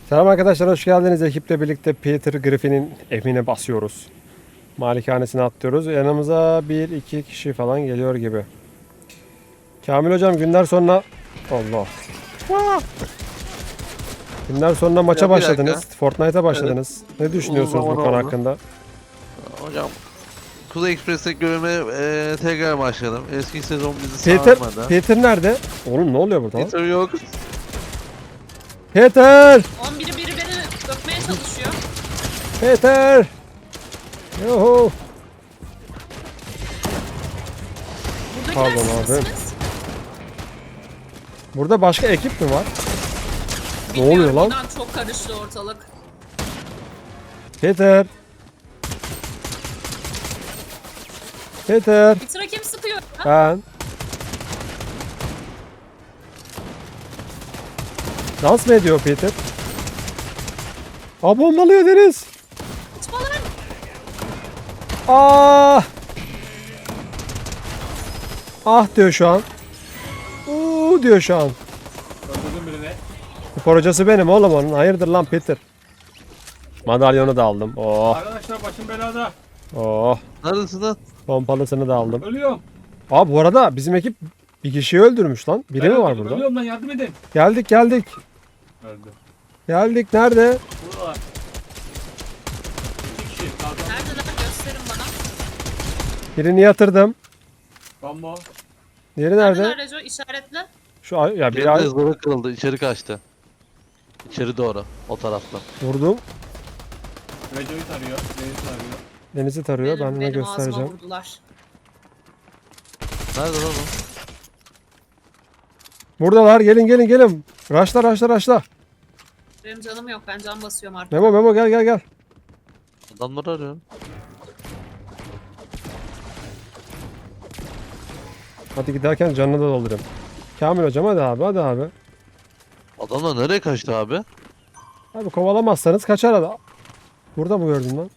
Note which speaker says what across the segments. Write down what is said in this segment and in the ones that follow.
Speaker 1: Selam arkadaşlar, hoş geldiniz. Ekiple birlikte Peter Griffin'in evine basıyoruz. Malikanesine atlıyoruz. Yanımıza 1-2 kişi falan geliyor gibi. Kamil hocam günler sonra... Allah. Ah! Günler sonra maça
Speaker 2: Ya bir
Speaker 1: başladınız.
Speaker 2: dakika.
Speaker 1: Fortnite'a başladınız. Ne düşünüyorsunuz
Speaker 2: Uzun
Speaker 1: bu
Speaker 2: zaman
Speaker 1: konu
Speaker 2: oldu.
Speaker 1: hakkında?
Speaker 2: Hocam Kuzey Ekspres'teki görevime tekrar başladım. Eski sezon bizi
Speaker 1: Peter,
Speaker 2: sarmadı.
Speaker 1: Peter nerede? Oğlum ne oluyor burada lan?
Speaker 2: Peter yok.
Speaker 1: Peter!
Speaker 3: 11'i biri beni öpmeye çalışıyor.
Speaker 1: Peter! Yuhu!
Speaker 3: Buradakiler
Speaker 1: Pardon
Speaker 3: siz
Speaker 1: abi.
Speaker 3: misiniz?
Speaker 1: Burada başka ekip mi var? Ne
Speaker 3: Bilmiyorum,
Speaker 1: oluyor lan?
Speaker 3: inan çok karıştı ortalık.
Speaker 1: Peter! Peter!
Speaker 3: Bir sıra kim sıkıyor? Ha?
Speaker 1: Ben. Dans mı ediyor Peter? Aa, bombalıyor Deniz.
Speaker 3: Kaçma lan.
Speaker 1: Ah! Ah diyor şu an. Diyor şu an.
Speaker 4: Öldürdüm birini.
Speaker 1: Spor hocası benim oğlum onun. Hayırdır lan Peter. Madalyonu da aldım. Oh.
Speaker 4: Arkadaşlar başım belada.
Speaker 1: Oh.
Speaker 2: Neredesin lan?
Speaker 1: Pompalısını da aldım.
Speaker 4: Ölüyorum.
Speaker 1: Aa, bu arada bizim ekip bir kişiyi öldürmüş lan. Biri mi var
Speaker 4: öldüm,
Speaker 1: burada?
Speaker 4: Ölüyorum lan, yardım edin.
Speaker 1: Geldik geldik.
Speaker 4: Öldü.
Speaker 1: Geldik nerede?
Speaker 4: Buradalar. 2 kişi. Kalkan.
Speaker 3: Neredeler? Gösterin bana.
Speaker 1: Birini yatırdım.
Speaker 4: Combo.
Speaker 1: Diğeri
Speaker 3: Neredeler
Speaker 1: nerede?
Speaker 3: Reco? İşaretle.
Speaker 1: Şu ay ya bir
Speaker 2: Bir
Speaker 1: ay
Speaker 2: ızgara kırıldı. İçeri kaçtı. İçeri doğru. O tarafta.
Speaker 1: vurdum.
Speaker 4: Reco'yu tarıyor. Deniz'i tarıyor.
Speaker 1: Deniz'i tarıyor. Ben ona
Speaker 3: benim
Speaker 1: göstereceğim.
Speaker 3: ağzıma vurdular.
Speaker 2: Nerede lan o?
Speaker 1: Buradalar. Gelin gelin gelin. Raşla raşla raşla.
Speaker 3: Benim canım yok. Ben can basıyorum artık.
Speaker 1: Memo Memo gel gel gel.
Speaker 2: Adamları arıyorum.
Speaker 1: Hadi giderken canını da doldurayım. Kamil hocam hadi abi hadi abi.
Speaker 2: Adamlar nereye kaçtı abi?
Speaker 1: Abi kovalamazsanız kaçar adam. Burada mı gördün lan?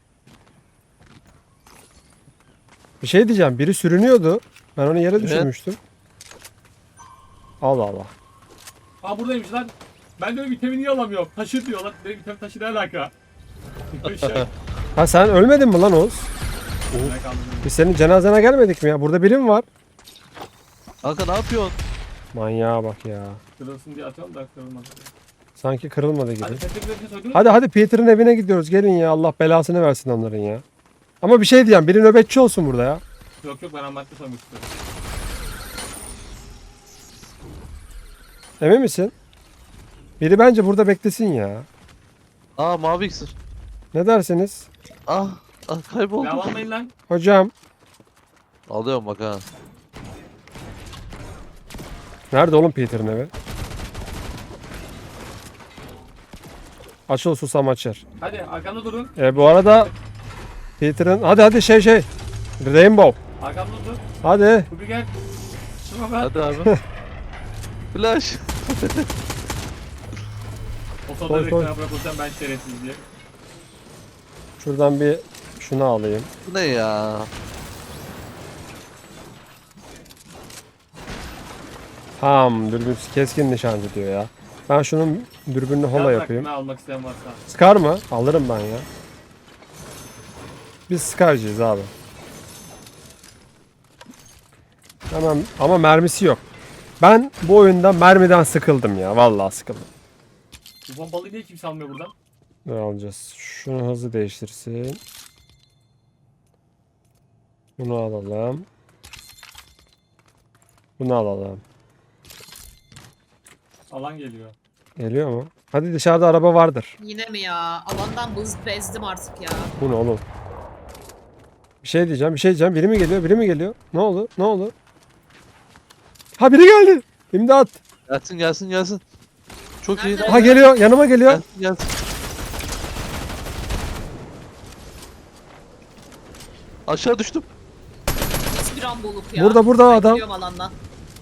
Speaker 1: Bir şey diyeceğim. Biri sürünüyordu. Ben onu yere düşürmüştüm. Allah Allah.
Speaker 4: Aa, buradaymış lan. Ben de vitamin niye alamıyorum? Taşı diyorlar. Benim vitamin taşı ne alaka? Şey.
Speaker 1: Ha, sen ölmedin mi lan Oğuz?
Speaker 4: Ne kaldı?
Speaker 1: Biz senin cenazene gelmedik mi ya? Burada biri mi var?
Speaker 2: Kanka ne yapıyorsun?
Speaker 1: Manyağa bak ya.
Speaker 4: Kırılsın diye atıyorum da kırılmaz.
Speaker 1: Sanki kırılmadı gibi.
Speaker 4: Hadi Petrik'le soydunuz.
Speaker 1: Hadi hadi Peter'ın evine gidiyoruz. Gelin ya. Allah belasını versin onların ya. Ama bir şey diyeceğim. Biri nöbetçi olsun burada ya.
Speaker 4: Yok yok, ben ambatlı soymak istiyorum.
Speaker 1: Emin misin? Biri bence burada beklesin ya.
Speaker 2: Aa mavi iksir.
Speaker 1: Ne dersiniz?
Speaker 2: Ah, kayboldu.
Speaker 4: Ya almayın lan.
Speaker 1: Hocam.
Speaker 2: Alıyorum bak ha.
Speaker 1: Nerede oğlum Peter'ın evi? Açıl susam açar.
Speaker 4: Hadi arkamda durun.
Speaker 1: Bu arada Peter'ın... Hadi hadi şey. Rainbow.
Speaker 4: Arkamda dur.
Speaker 1: Hadi.
Speaker 4: Kubi gel. Şuna bak.
Speaker 2: Hadi abi. Flash.
Speaker 4: O soda
Speaker 1: Koy,
Speaker 4: direkt
Speaker 1: koy.
Speaker 4: sana bırakırsam ben şerefsiz diye.
Speaker 1: Şuradan bir şunu alayım.
Speaker 2: Bu ne ya?
Speaker 1: Tamam, dürbün keskin nişancı diyor ya. Ben şunun dürbününü hola
Speaker 4: Yaz
Speaker 1: yapayım.
Speaker 4: hakkını almak isteyen varsa.
Speaker 1: Scar mı? Alırım ben ya. Biz Scar'cıyız abi. Tamam ama mermisi yok. Ben bu oyunda mermiden sıkıldım ya. Vallahi sıkıldım.
Speaker 4: Bu bombalıyı niye kimse almıyor buradan?
Speaker 1: Ne alacağız? Şunu hızlı değiştirsin. Bunu alalım. Bunu alalım.
Speaker 4: Alan geliyor.
Speaker 1: Geliyor mu? Hadi dışarıda araba vardır.
Speaker 3: Yine mi ya? Alandan bezdim artık ya.
Speaker 1: Bu ne oğlum? Bir şey diyeceğim. Biri mi geliyor? Biri mi geliyor? Ne oldu? Ne oldu? Ha, biri geldi. İmdat.
Speaker 2: Gelsin. Çok iyi.
Speaker 3: Nerede?
Speaker 1: Ha, geliyor. Yanıma geliyor.
Speaker 2: Gelsin. Aşağı düştüm.
Speaker 3: Hiçbir amboluk ya.
Speaker 1: Burada
Speaker 3: Ben
Speaker 1: adam.
Speaker 3: gidiyorum alandan.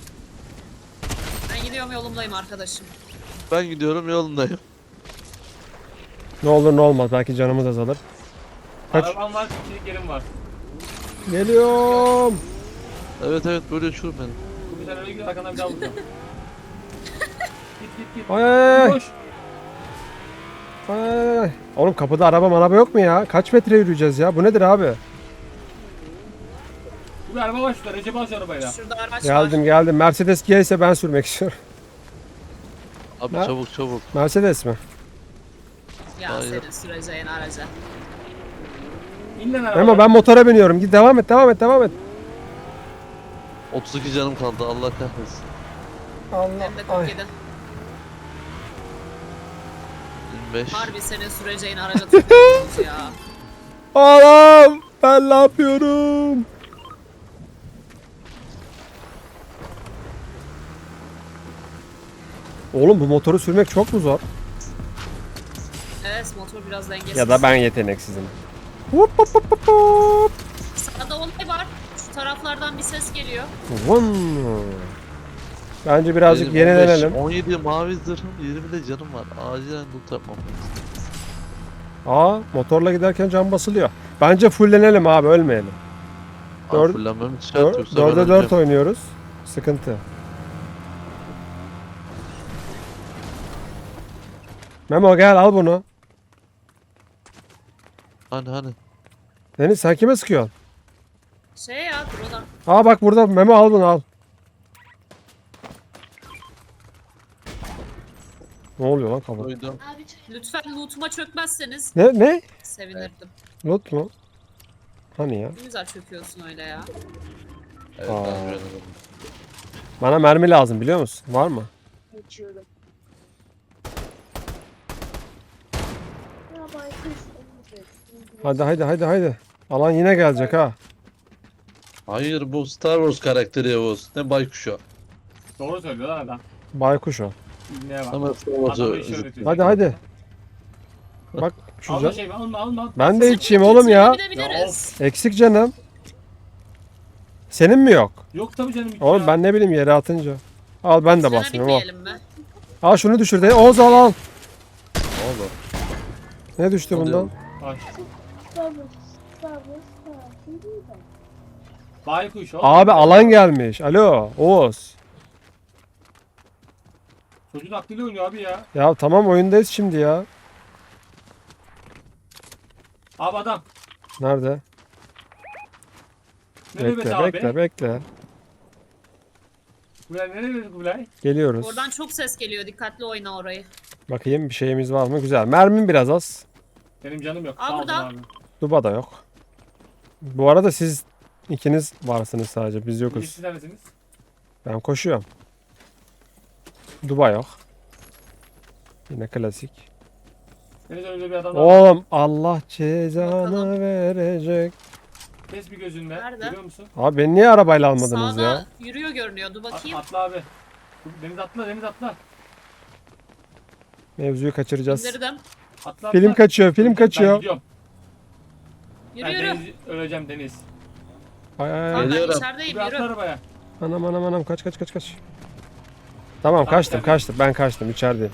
Speaker 3: Ben gidiyorum, yolumdayım arkadaşım.
Speaker 2: Ben gidiyorum yolundayım.
Speaker 1: Ne olur ne olmaz. Belki canımız azalır. Kaç.
Speaker 4: Arabam var, kişilik yerim var.
Speaker 1: Geliyorum.
Speaker 2: Evet böyle uçurum beni.
Speaker 4: Kubi sen öyle gidiyor, arkandan bir daha vuracağım. Git.
Speaker 1: Ay.
Speaker 4: Koş.
Speaker 1: Ay. Oğlum kapıda araba yok mu ya? Kaç metre yürüyeceğiz ya? Bu nedir abi?
Speaker 4: Bir araba var şurada. Recep al şu arabayla.
Speaker 3: Şurada araç
Speaker 1: Geldim
Speaker 3: var.
Speaker 1: geldim. Mercedes G ise ben sürmek istiyorum.
Speaker 2: Abi
Speaker 1: Ha?
Speaker 2: çabuk çabuk.
Speaker 1: Mercedes mi?
Speaker 3: Ya
Speaker 2: Hayır.
Speaker 3: senin süreceğin araca.
Speaker 4: İn lan arabaya.
Speaker 1: Memo ben motora biniyorum. Git devam et devam et devam et.
Speaker 2: 32 canım kaldı Allah kahretsin.
Speaker 1: Allah.
Speaker 3: Hem de
Speaker 1: Ay.
Speaker 3: 47.
Speaker 2: 25.
Speaker 3: Harbi senin süreceğin araca tıklıyorsunuz ya.
Speaker 1: Anam ben ne yapıyorum? Oğlum bu motoru sürmek çok mu zor?
Speaker 3: Evet motor biraz dengesiz.
Speaker 1: Ya da ben yeteneksizim. Hop hop hop hop hop.
Speaker 3: Sağda olay var. Şu taraflardan bir ses geliyor.
Speaker 1: Vın. Bence birazcık
Speaker 2: Benim 15,
Speaker 1: yenilenelim.
Speaker 2: 17 mavi zırhım 20 de canım var. Acilen loot yapmam lazım.
Speaker 1: Aa motorla giderken cam basılıyor. Bence fullenelim abi ölmeyelim.
Speaker 2: Abi
Speaker 1: Dört-
Speaker 2: fullenmem hiç şart yoksa ben
Speaker 1: 4'e 4
Speaker 2: öleceğim.
Speaker 1: oynuyoruz. Sıkıntı. Memo gel al bunu.
Speaker 2: Hani.
Speaker 1: Deniz sen kime sıkıyorsun?
Speaker 3: Şey ya drone'a.
Speaker 1: Aa bak burada Memo al bunu al. Ne oluyor lan kafa?
Speaker 2: Duydum.
Speaker 3: Lütfen loot'uma çökmezseniz
Speaker 1: Ne?
Speaker 3: sevinirdim.
Speaker 1: Loot mu? Hani ya?
Speaker 3: Ne güzel çöküyorsun öyle ya.
Speaker 2: Evet
Speaker 1: Aa.
Speaker 2: ben güvenirim.
Speaker 1: Bana mermi lazım biliyor musun? Var mı?
Speaker 5: Geçiyorum. Ya baykuş
Speaker 1: Hadi. Alan yine gelecek ha.
Speaker 2: Hayır bu Star Wars karakteri Yavuz. Ne baykuşu.
Speaker 4: Doğru söylüyor lan adam.
Speaker 1: Baykuş o.
Speaker 4: İbneye bak.
Speaker 2: Ama Star
Speaker 4: Adamı
Speaker 2: Wars'u
Speaker 4: işe öğretiyor.
Speaker 1: Hadi. Bak şu
Speaker 4: Alma
Speaker 1: can.
Speaker 4: şey alma.
Speaker 1: Ben de içeyim oğlum ya.
Speaker 3: Gidebiliriz.
Speaker 1: Eksik canım. Senin mi yok?
Speaker 4: Yok tabii canım.
Speaker 1: Oğlum
Speaker 4: ya.
Speaker 1: ben ne bileyim yere atınca. Al ben de
Speaker 3: Sana
Speaker 1: basayım o.
Speaker 3: bitmeyelim mi?
Speaker 1: Al şunu düşür de. Oğuz al.
Speaker 2: Ne oldu?
Speaker 1: Ne düştü
Speaker 2: Oluyor.
Speaker 1: bundan?
Speaker 4: Ay,
Speaker 5: Sabır.
Speaker 4: baykuş oğlum.
Speaker 1: Abi alan gelmiş. Alo Oğuz.
Speaker 4: Çocuğun aklıyla oynuyor abi ya.
Speaker 1: Ya tamam oyundayız şimdi ya.
Speaker 4: Abi adam.
Speaker 1: Nerede?
Speaker 4: Ne nöbeti
Speaker 1: Bekle
Speaker 4: abi?
Speaker 1: bekle.
Speaker 4: Kubilay ne nöbeti Kubilay?
Speaker 1: Geliyoruz.
Speaker 3: Oradan çok ses geliyor. Dikkatli oyna orayı.
Speaker 1: Bakayım bir şeyimiz var mı? Güzel. Mermim biraz az.
Speaker 4: Benim canım yok.
Speaker 3: Aa,
Speaker 4: Sağ olun
Speaker 3: burada.
Speaker 4: abi.
Speaker 1: Duba da yok. Bu arada siz ikiniz varsınız sadece. Biz yokuz.
Speaker 4: Siz neredesiniz?
Speaker 1: Ben koşuyorum. Duba yok. Yine klasik.
Speaker 4: Deniz önünde bir adam var.
Speaker 1: Oğlum Allah cezanı
Speaker 3: Bakalım.
Speaker 1: verecek.
Speaker 4: Kes bir gözünle.
Speaker 3: Nerede?
Speaker 4: Görüyor musun?
Speaker 1: Abi beni niye arabayla almadınız
Speaker 3: Sağda
Speaker 1: ya?
Speaker 3: yürüyor görünüyordu. Bakayım.
Speaker 4: Atla abi. Deniz atla.
Speaker 1: Mevzuyu kaçıracağız.
Speaker 3: İndirdim.
Speaker 4: Atla.
Speaker 1: Film kaçıyor, film
Speaker 4: Ben
Speaker 1: kaçıyor.
Speaker 4: gidiyorum.
Speaker 3: Yürü
Speaker 4: Ben
Speaker 3: yürü.
Speaker 4: Deniz, öleceğim Deniz.
Speaker 1: Ay ay
Speaker 3: Tamam
Speaker 1: ay.
Speaker 3: ben
Speaker 2: Geliyorum.
Speaker 3: içerideyim
Speaker 4: Bir atla
Speaker 3: yürü.
Speaker 4: arabaya.
Speaker 1: Anam kaç. Tamam kaçtım ben kaçtım içerideyim.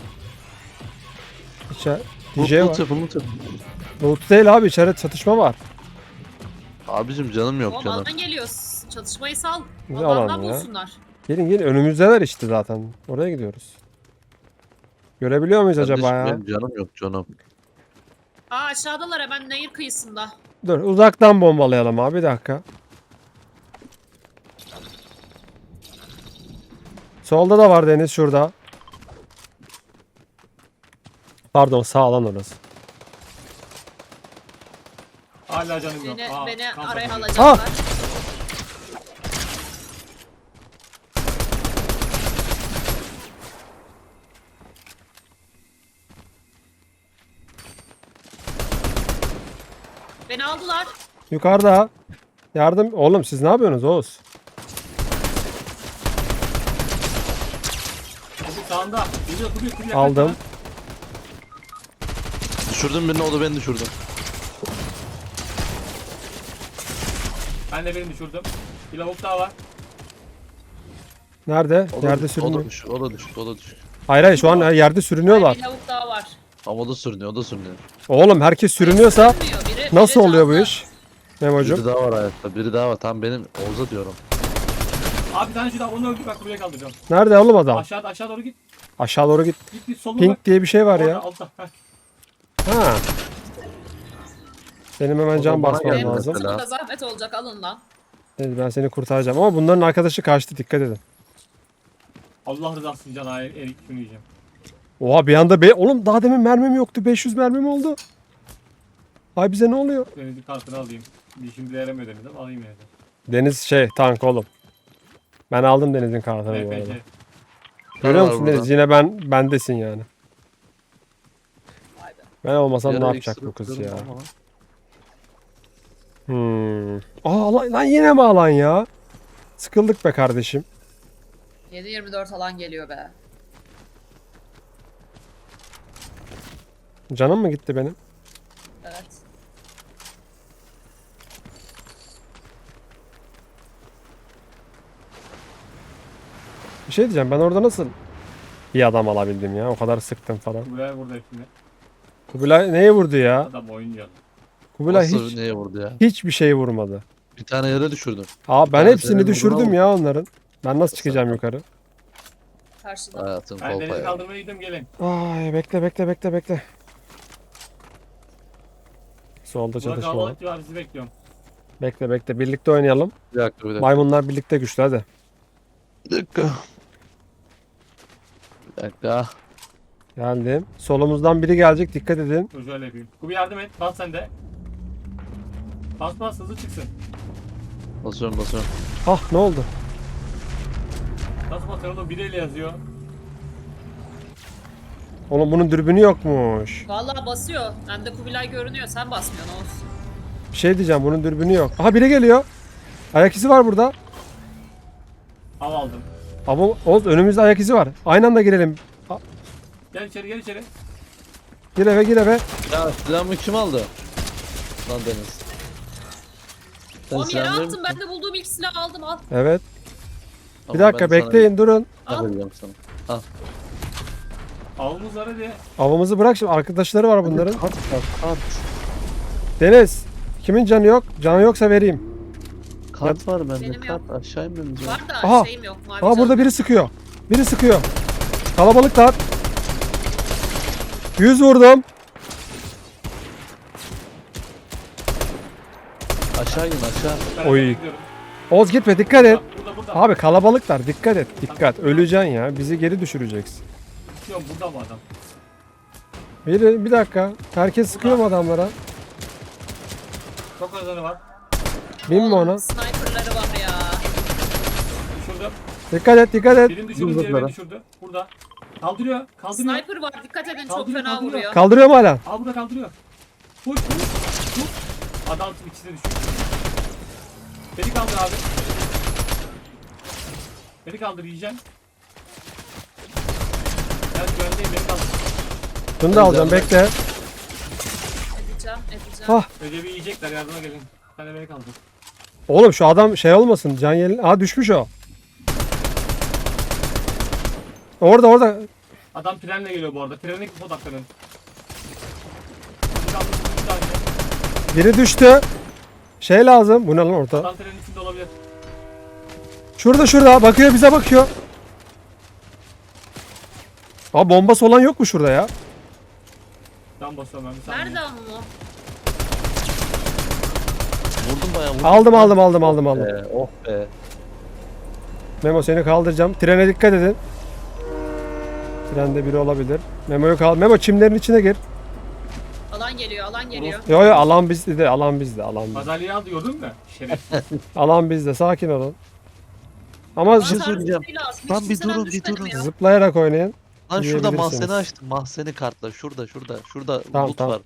Speaker 1: DJ var.
Speaker 2: Loot yapın loot yapın.
Speaker 1: Loot değil abi içeride çatışma var.
Speaker 2: Abicim canım yok
Speaker 3: Oğlum
Speaker 2: canım.
Speaker 3: alan geliyor. Çatışmayı sal.
Speaker 1: Güzel
Speaker 3: Alandan
Speaker 1: alan ya.
Speaker 3: bulsunlar.
Speaker 1: Gelin önümüzdeler işte zaten. Oraya gidiyoruz. Görebiliyor muyuz acaba
Speaker 2: Kardeşim,
Speaker 1: ya?
Speaker 2: benim canım yok canım.
Speaker 3: Aa aşağıdalar hemen nehir kıyısında.
Speaker 1: Dur uzaktan bombalayalım abi bir dakika. Solda da var Deniz şurada. Pardon sağ lan orası.
Speaker 4: Hala canım yok.
Speaker 3: Beni
Speaker 4: kamp
Speaker 3: araya
Speaker 4: atıyor.
Speaker 3: alacaklar. Beni aldılar.
Speaker 1: Yukarıda. Yardım. Oğlum siz ne yapıyorsunuz Oğuz?
Speaker 4: Kubi sağında. Geliyor Kubi.
Speaker 1: Aldım.
Speaker 2: Düşürdüm birini o da beni düşürdü.
Speaker 4: Ben de birini düşürdüm. Bir lavuk daha var.
Speaker 1: Nerede?
Speaker 2: O da,
Speaker 1: Yerde
Speaker 2: o da
Speaker 1: sürünüyor.
Speaker 2: düşük o da düşük o da düşük.
Speaker 1: Hayır şu an yerde sürünüyorlar.
Speaker 3: Bir lavuk daha var.
Speaker 2: Ama o da sürünüyor o da sürünüyor.
Speaker 1: Oğlum herkes sürünüyorsa
Speaker 3: Sürünmüyor, biri
Speaker 1: nasıl oluyor bu
Speaker 3: canlı.
Speaker 1: iş? Memo'cum.
Speaker 2: Biri daha var hayatta biri daha var. Tam benim Oğuz'a diyorum.
Speaker 4: Abi bir tane şurada onu öldür bak buraya kaldıracağım.
Speaker 1: Nerede oğlum adam?
Speaker 4: Aşağı doğru git.
Speaker 1: Aşağı doğru git.
Speaker 4: Git soluna bak.
Speaker 1: Pink diye bir şey var
Speaker 4: Orada,
Speaker 1: ya.
Speaker 4: altta. Heh.
Speaker 1: Ha. Benim hemen
Speaker 2: O
Speaker 1: can
Speaker 2: zaman bana
Speaker 1: basmam
Speaker 2: geldi
Speaker 1: lazım.
Speaker 2: mesela.
Speaker 3: Burada zahmet olacak alın lan.
Speaker 1: Evet, ben seni kurtaracağım ama bunların arkadaşı kaçtı, dikkat edin.
Speaker 4: Allah rızası için can erik şunu yiyeceğim.
Speaker 1: Oha bir anda oğlum daha demin mermim yoktu, 500 mermim oldu. Ay bize ne oluyor?
Speaker 4: Denizin kartını alayım. Bir şimdi yaramıyor Deniz ama alayım yine de.
Speaker 1: Deniz tank oğlum. Ben aldım Deniz'in kartını bu arada.
Speaker 4: RPG.
Speaker 1: Görüyor
Speaker 2: var
Speaker 1: musun
Speaker 2: burada.
Speaker 1: Deniz, yine bendesin yani.
Speaker 3: Vay be.
Speaker 1: Ben olmasam ne
Speaker 2: Yara
Speaker 1: yapacak
Speaker 2: iksiri
Speaker 1: bu kız ya?
Speaker 2: tutuyorum ama.
Speaker 1: Lan yine mi alan ya? Sıkıldık be kardeşim.
Speaker 3: 7-24 alan geliyor be.
Speaker 1: Canım mı gitti benim?
Speaker 3: Evet.
Speaker 1: Bir şey diyeceğim, ben orada nasıl bir adam alabildim ya? O kadar sıktım falan.
Speaker 4: Buraya burada hepsini.
Speaker 1: Kubilay neye vurdu ya?
Speaker 4: Adam oynuyor.
Speaker 1: Kubilay
Speaker 2: Nasıl neye vurdu ya?
Speaker 1: hiçbir şey vurmadı.
Speaker 2: Bir tane yere düşürdüm.
Speaker 1: Aa ben
Speaker 2: tane
Speaker 1: hepsini
Speaker 2: senin
Speaker 1: düşürdüm
Speaker 2: vurduğuna
Speaker 1: ya onların. Ben nasıl çıkacağım
Speaker 2: Sen-
Speaker 1: yukarı?
Speaker 3: Karşıda.
Speaker 2: Hayatım
Speaker 4: Ben
Speaker 2: kolpa
Speaker 4: Deniz'i
Speaker 2: ya.
Speaker 4: kaldırmaya gidiyorum gelin.
Speaker 1: Ay bekle. Solda
Speaker 4: Burada
Speaker 1: çatışma var.
Speaker 4: kalabalık var sizi bekliyorum.
Speaker 1: Bekle birlikte oynayalım.
Speaker 2: Bir dakika.
Speaker 1: Maymunlar birlikte güçlü hadi.
Speaker 2: Bir dakika.
Speaker 1: Geldim. Solumuzdan biri gelecek, dikkat edin.
Speaker 4: Dur şöyle yapayım. Kubi yardım et. Bas sen de. Bas hızlı çıksın.
Speaker 2: Basıyorum.
Speaker 1: Ah ne oldu?
Speaker 4: Nasıl basıyor oğlum? Biriyle yazıyor.
Speaker 1: Oğlum bunun dürbünü yokmuş.
Speaker 3: Vallahi basıyor. Bende Kubilay görünüyor. Sen basmıyorsun olsun.
Speaker 1: Bir şey diyeceğim, bunun dürbünü yok. Aha biri geliyor. Ayak izi var burada.
Speaker 4: Av aldım.
Speaker 1: Ama Oğuz önümüzde ayak izi var. Aynı anda girelim.
Speaker 4: Gel içeri.
Speaker 1: Gir eve.
Speaker 2: Ya silahımı kim aldı? Lan Deniz. Sen
Speaker 3: Oğlum yere
Speaker 2: silahları
Speaker 3: attım.
Speaker 2: mı-
Speaker 3: Ben de bulduğum ilk silahı aldım. Al.
Speaker 1: Evet.
Speaker 2: Tamam,
Speaker 1: Bir dakika
Speaker 2: ben sana
Speaker 1: bekleyin, durun.
Speaker 2: bir silah vereceğim sana.
Speaker 4: Avımız var hadi.
Speaker 1: Avımızı bırak şimdi, arkadaşları var bunların.
Speaker 2: Kart.
Speaker 1: Deniz, kimin canı yok? Canı yoksa vereyim.
Speaker 2: Kart var bende.
Speaker 3: Benim
Speaker 2: Kart aşağı inmemiz
Speaker 3: Var da
Speaker 1: Aha.
Speaker 3: şeyim yok. Mavi
Speaker 1: Aa
Speaker 3: canım
Speaker 1: burada
Speaker 3: yok.
Speaker 1: biri sıkıyor. Kalabalıklar. 100 vurdum.
Speaker 2: Aşağı in aşağı.
Speaker 4: Ben
Speaker 1: Oy.
Speaker 4: hemen gidiyorum.
Speaker 1: Oğuz gitme, dikkat et.
Speaker 4: Burada.
Speaker 1: Abi kalabalıklar, dikkat et. Dikkat, öleceksin ya. Bizi geri düşüreceksin.
Speaker 4: Yok burada mı adam?
Speaker 1: Bir dakika. Herkes sıkıyor mu adamlara?
Speaker 4: Çok azanı var.
Speaker 1: Binme ona.
Speaker 3: Sniperları var ya.
Speaker 4: Düşürdüm.
Speaker 1: Dikkat et.
Speaker 4: Birini düşürdüm,
Speaker 2: Dur,
Speaker 4: diğerini
Speaker 2: dur.
Speaker 4: düşürdü. Burada. Kaldırıyor.
Speaker 3: Sniper var. Dikkat edin. Çok
Speaker 4: Kaldırıyor,
Speaker 3: fena
Speaker 4: kaldırıyor.
Speaker 3: vuruyor.
Speaker 1: Kaldırıyorum hala.
Speaker 4: Al burada kaldırıyor. Vur. Adam ikisi de düşüyor. Beni kaldır abi. Beni kaldır yiyeceğim. Ben güvendeyim beni kaldır.
Speaker 1: Bunu da alacağım, bekle.
Speaker 3: Edeceğim.
Speaker 1: Ah.
Speaker 4: Recep'i yiyecekler yardıma gelin. Sen de beni kaldır.
Speaker 1: Oğlum şu adam olmasın. Can yelin. Aa düşmüş o. Orada.
Speaker 4: Adam trenle geliyor bu arada. Trene gidip odaklanın. Beni kaldır, bir tane.
Speaker 1: Biri düştü. Lazım. Bu ne lan orada?
Speaker 4: Adam trenin içinde olabilir.
Speaker 1: Şurada. Bakıyor, bize bakıyor. Aa bombası olan yok mu şurada ya?
Speaker 4: Tam basıyorum ben bir saniye.
Speaker 3: Nerede ama o?
Speaker 2: Vurdum bayağı vurdum.
Speaker 1: Aldım.
Speaker 2: Oh be.
Speaker 1: Memo seni kaldıracağım. Trene dikkat edin. Trende biri olabilir. Memo'yu Memo çimlerin içine gir.
Speaker 3: Alan geliyor.
Speaker 1: Yo alan bizde. Alan bizde.
Speaker 4: Madalyayı al diyordum da. Şeref.
Speaker 1: Alan bizde. Sakin olun. Ama
Speaker 2: şey söyleyeceğim. Lan
Speaker 3: Hiç
Speaker 2: bir
Speaker 3: kimseden
Speaker 2: durun, bir
Speaker 3: düşmedim
Speaker 2: durun.
Speaker 3: ya.
Speaker 1: zıplayarak oynayın.
Speaker 2: Lan şurada
Speaker 1: Yiyebilirsiniz.
Speaker 2: mahzeni açtım. Mahzeni kartla. Şurada
Speaker 1: Tamam,
Speaker 2: loot
Speaker 1: tamam.
Speaker 2: var.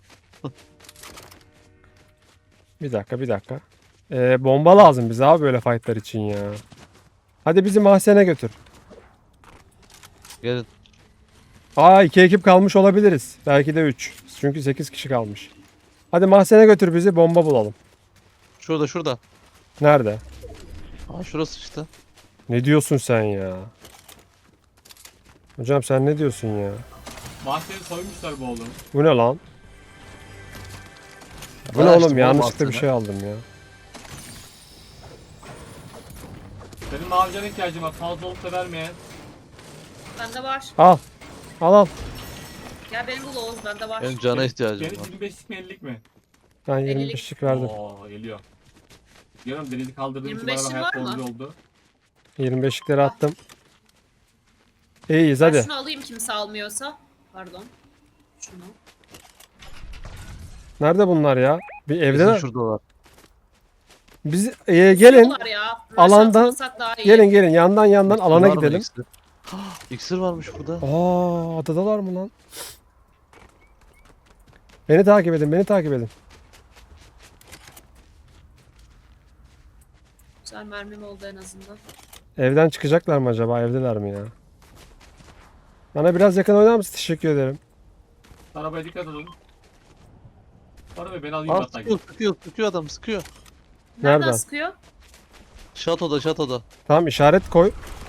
Speaker 1: Bir dakika. Bomba lazım bize abi böyle fightlar için ya. Hadi bizi mahzene götür.
Speaker 2: Gelin.
Speaker 1: Aa 2 ekip kalmış olabiliriz. Belki de 3. Çünkü 8 kişi kalmış. Hadi mahzene götür bizi, bomba bulalım.
Speaker 2: Şurada.
Speaker 1: Nerede?
Speaker 2: Şurası işte.
Speaker 1: Ne diyorsun sen ya? Hocam sen ne diyorsun ya?
Speaker 4: Mahzeni soymuşlar bu oğlum.
Speaker 1: Bu ne lan? Bu
Speaker 2: Ben
Speaker 1: ne
Speaker 2: açtım
Speaker 1: oğlum?
Speaker 2: oğlum
Speaker 1: Yanlışlıkla bir
Speaker 2: mahzeni.
Speaker 1: şey aldım ya.
Speaker 4: Benim mavi cana ihtiyacım var. Fazla olup da vermeyen.
Speaker 3: Bende var.
Speaker 1: Al.
Speaker 3: Gel beni bul Oğuz, bende var.
Speaker 2: Benim cana ihtiyacım
Speaker 4: Deniz
Speaker 2: var.
Speaker 4: 25'lik mi 50'lik mi?
Speaker 1: Ben
Speaker 3: 50'lik.
Speaker 1: 25'lik verdim.
Speaker 4: Oo geliyor. Diyorum Deniz'i kaldırdığım için bana
Speaker 3: 25'in
Speaker 4: hayat
Speaker 3: var mı?
Speaker 4: bozucu oldu.
Speaker 1: 25'likleri attım. İyiyiz
Speaker 3: Ben
Speaker 1: hadi.
Speaker 3: şunu alayım kimse almıyorsa. Pardon. Şunu.
Speaker 1: Nerede bunlar ya? Bir
Speaker 2: Bizim
Speaker 1: evde.
Speaker 2: şuradalar.
Speaker 1: Biz gelin.
Speaker 3: Sular ya. Rush
Speaker 1: Alandan-
Speaker 3: atmasak daha iyi.
Speaker 1: Gelin yandan alana
Speaker 2: Var mı
Speaker 1: gidelim.
Speaker 2: iksir? İksir varmış burada.
Speaker 1: Aa, adadalar mı lan? Beni takip edin.
Speaker 3: Güzel mermim oldu en azından.
Speaker 1: Evden çıkacaklar mı acaba? Evdeler mi ya? Bana biraz yakın oynar mısın? Teşekkür ederim.
Speaker 4: Arabaya dikkat edin. Arabaya beni alayım
Speaker 2: Aa,
Speaker 4: hatta.
Speaker 2: sıkıyor adam sıkıyor.
Speaker 3: Nereden
Speaker 1: Nereden?
Speaker 3: sıkıyor?
Speaker 2: Şatoda.
Speaker 1: Tamam işaret koy.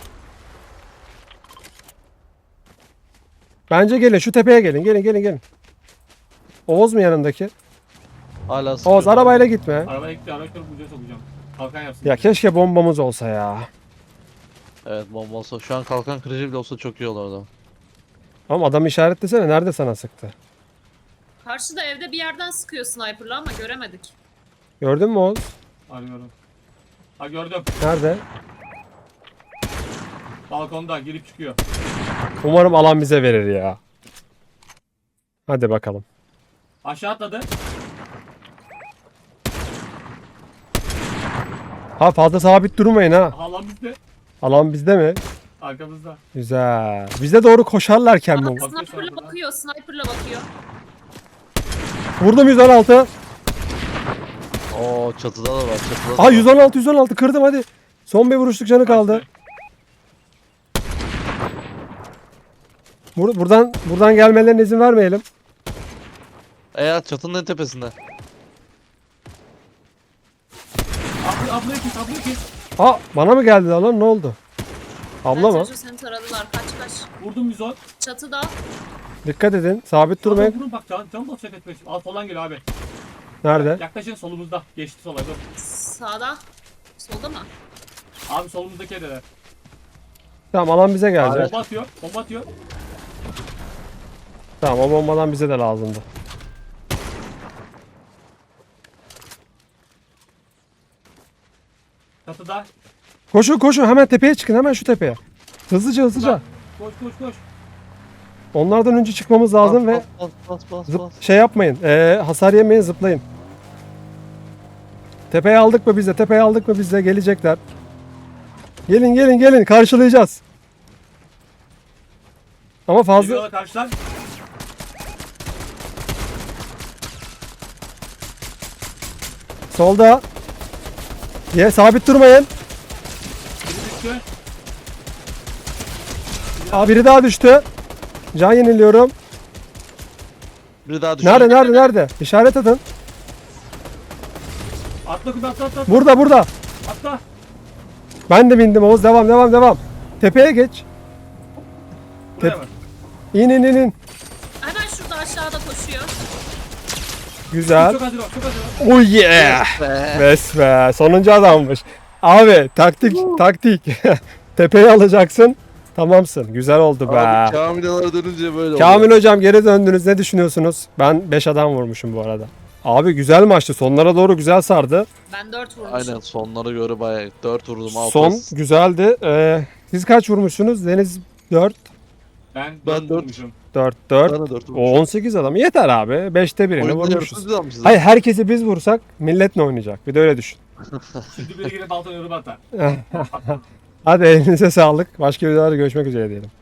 Speaker 1: Bence gelin şu tepeye gelin. Gelin. Oğuz mu yanındaki?
Speaker 2: Hala sıkıyor.
Speaker 1: Oğuz arabayla gitme.
Speaker 4: Arabaya gitti, arabayı kırıp ucuya sokacağım. Kalkan yapsın.
Speaker 1: Ya keşke bombamız olsa ya.
Speaker 2: Evet bomba olsa. Şu an kalkan kırıcı bile olsa çok iyi olurdu.
Speaker 1: Ama adam işaretlesene. Nerede sana sıktı?
Speaker 3: Karşıda evde bir yerden sıkıyor sniper'la ama göremedik.
Speaker 1: Gördün mü Oğuz?
Speaker 4: Arıyorum. Ha gördüm.
Speaker 1: Nerede?
Speaker 4: Balkonda girip çıkıyor.
Speaker 1: Umarım alan bize verir ya. Hadi bakalım.
Speaker 4: Aşağı atladı.
Speaker 1: Ha fazla sabit durmayın ha.
Speaker 4: Aha lan bizde.
Speaker 1: Alan bizde mi?
Speaker 4: Arkamızda.
Speaker 1: Güzel. Bize doğru koşarlarken mi?
Speaker 3: Bak sniper'la bakıyor, sniper'la bakıyor.
Speaker 1: Vurdum 116.
Speaker 2: Oo çatıda da var. Çatıda da
Speaker 1: Aa
Speaker 2: var.
Speaker 1: 116 kırdım hadi. Son bir vuruşluk canı kaldı. Buradan gelmelerine izin vermeyelim.
Speaker 2: Evet çatının en tepesinde.
Speaker 4: Ablayı kes.
Speaker 1: Aa bana mı geldi lan ne oldu? Abla mı?
Speaker 3: Sergio seni taradılar, kaç.
Speaker 4: Vurdum 110.
Speaker 3: Çatıda.
Speaker 1: Dikkat edin. Sabit durmayın.
Speaker 4: Vurun bak can basacak etmek için. Al soldan geliyor abi.
Speaker 1: Nerede?
Speaker 4: Yaklaşın solumuzda. Geçti sola dur.
Speaker 3: Sağda. Solda mı?
Speaker 4: Abi solumuzdaki evdeler.
Speaker 1: Tamam alan bize geldi.
Speaker 2: Evet.
Speaker 4: Bomba atıyor.
Speaker 1: Tamam o bombadan bize de lazımdı.
Speaker 4: Çatıda.
Speaker 1: Koşun hemen tepeye çıkın hemen şu tepeye. Hızlıca.
Speaker 4: Koş.
Speaker 1: Onlardan önce çıkmamız lazım ve
Speaker 2: Bas.
Speaker 1: şey yapmayın. Hasar yemeyin zıplayın. Tepeye aldık mı biz de gelecekler. Gelin karşılayacağız. Ama fazla
Speaker 4: Geliyorlar karşıdan.
Speaker 1: solda. Sabit durmayın.
Speaker 4: Biri düştü.
Speaker 1: Aa biri daha düştü. Can yeniliyorum.
Speaker 2: Biri daha düştü.
Speaker 1: Nerede? İşaret atın.
Speaker 4: Atla kız atla.
Speaker 1: Burada.
Speaker 4: Atla.
Speaker 1: Ben de bindim Oğuz. Devam. Tepeye geç.
Speaker 4: Buraya bak.
Speaker 1: İn.
Speaker 3: Hemen şurada aşağıda koşuyor.
Speaker 1: Güzel.
Speaker 4: Çok hazır ol.
Speaker 1: Oh yeah.
Speaker 2: Be.
Speaker 1: Bes be. Sonuncu adammış. Abi taktik. Tepeyi alacaksın. Tamamsın. Güzel oldu be.
Speaker 2: Abi Kamile'lara dönünce böyle
Speaker 1: Kamil hocam geri döndünüz. Ne düşünüyorsunuz? Ben 5 adam vurmuşum bu arada. Abi güzel maçtı. Sonlara doğru güzel sardı.
Speaker 3: Ben 4 vurmuşum.
Speaker 2: Aynen sonlara göre bayağı 4 vurdum 6.
Speaker 1: Son güzeldi. Siz kaç vurmuşsunuz? Deniz 4.
Speaker 4: Ben
Speaker 2: Ben
Speaker 4: 4
Speaker 2: dört.
Speaker 4: vurmuşum.
Speaker 1: 4.
Speaker 2: Ben de 4
Speaker 1: O
Speaker 2: vurmuşum.
Speaker 1: 18 adam. Yeter abi. 5'te birini
Speaker 2: Oyunda
Speaker 1: vurmuşuz.
Speaker 2: yarısız almışız.
Speaker 1: Hayır herkesi biz vursak millet ne oynayacak? Bir de öyle düşün.
Speaker 4: Şimdi biri girip balta yorumu atar.
Speaker 1: Hadi elinize sağlık. Başka videolarda görüşmek üzere diyelim.